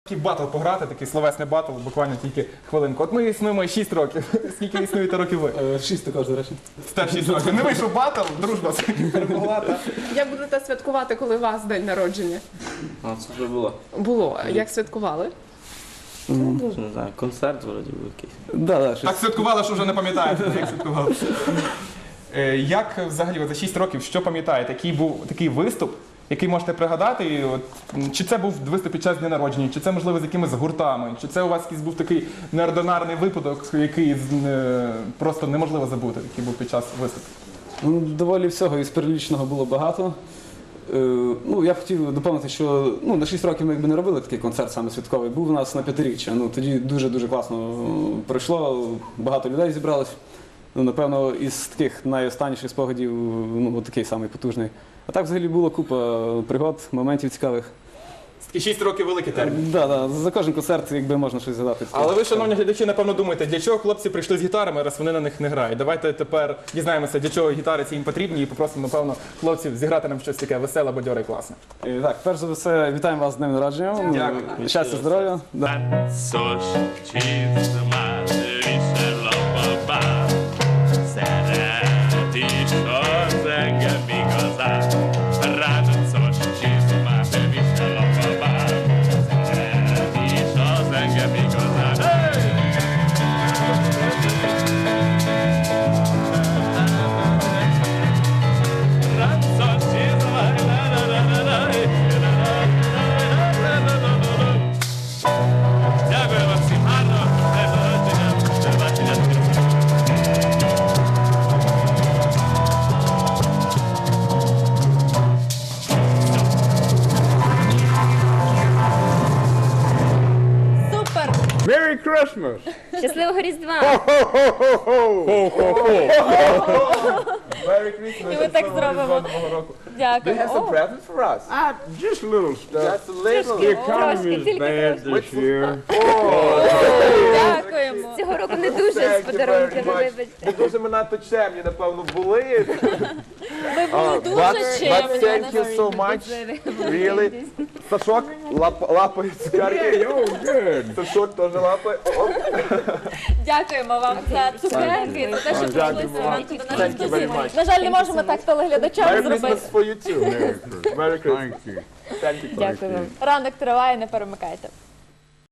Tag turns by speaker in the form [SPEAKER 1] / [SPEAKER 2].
[SPEAKER 1] Батл пограти, такий словесний батл, буквально тільки хвилинку. От ми існуємо 6 років. Скільки існуєте років ви?
[SPEAKER 2] 6 також, до речі.
[SPEAKER 1] Теж 6 років. Не вийшов батл, дружба перемогла.
[SPEAKER 3] Як будете святкувати, коли у вас день народження?
[SPEAKER 4] А, це вже було.
[SPEAKER 3] Було. Як святкували?
[SPEAKER 4] Дуже не знаю, концерт вроді був якийсь.
[SPEAKER 2] Да,
[SPEAKER 1] Так святкували, що вже не пам'ятаєте, як святкували. Як взагалі за 6 років, що пам'ятаєте? Який був такий виступ, який можете пригадати? І от, чи це був виступ під час дня народження, чи це, можливо, з якимись гуртами, чи це у вас якийсь був такий неординарний випадок, який просто неможливо забути, який був під час виступу?
[SPEAKER 2] Ну, доволі всього із перелічного було багато. Ну, я б хотів доповнити, що на 6 років ми якби не робили такий концерт саме святковий. Був у нас на 5-річчя. Тоді дуже-дуже класно пройшло, багато людей зібралось. Напевно, із таких найостанніших спогадів, такий самий потужний. А так взагалі було купа пригод, моментів цікавих.
[SPEAKER 1] І 6 років великий термін.
[SPEAKER 2] Да, за кожен концерт якби можна щось згадати.
[SPEAKER 1] Але ви, шановні глядачі, напевно думаєте, для чого хлопці прийшли з гітарами, раз вони на них не грають. Давайте тепер дізнаємося, для чого гітари ці їм потрібні, і попросимо, напевно, хлопців зіграти нам щось таке веселе, бадьоре і класне.
[SPEAKER 2] Так, перш за все, вітаємо вас з днем народження.
[SPEAKER 1] Дякую.
[SPEAKER 2] Щастя, здоров'я. Да.
[SPEAKER 5] Szós csizmát visel a babám, szeret is az engem igazán. Ráncos csizmát visel a babám, szeret is az engem igazán. Ráncos csizmát, Дякую вам всім гарно. До побачення.
[SPEAKER 6] Супер!
[SPEAKER 7] Merry Christmas!
[SPEAKER 6] Щасливого Різдва!
[SPEAKER 7] Merry Christmas!
[SPEAKER 6] І ми так зробимо. Дякую. О,
[SPEAKER 7] presents for us? Just little stuff. Just a little. The economy
[SPEAKER 6] Трошки,
[SPEAKER 7] is
[SPEAKER 6] тільки
[SPEAKER 7] bad
[SPEAKER 6] трошки.
[SPEAKER 7] this year.
[SPEAKER 6] Дякуємо. Цього року не дуже з подарунками, вибачте.
[SPEAKER 7] Не дуже ми надто чемні, напевно, були.
[SPEAKER 6] Ми були дуже
[SPEAKER 7] But
[SPEAKER 6] чемні.
[SPEAKER 7] thank you so much. Really. Сашок лапає цукерки. Oh, good. Сашок теж лапає.
[SPEAKER 6] Дякуємо вам за цукерки, за те, що прийшли сьогодні до нашої
[SPEAKER 7] Thank you very
[SPEAKER 6] студії.
[SPEAKER 7] much.
[SPEAKER 6] На жаль, не можемо так телеглядачам
[SPEAKER 7] Merry
[SPEAKER 6] зробити.
[SPEAKER 7] Christmas for you too. Merry Christmas. Thank you.
[SPEAKER 6] Дякую вам. Ранок триває, не перемикайте.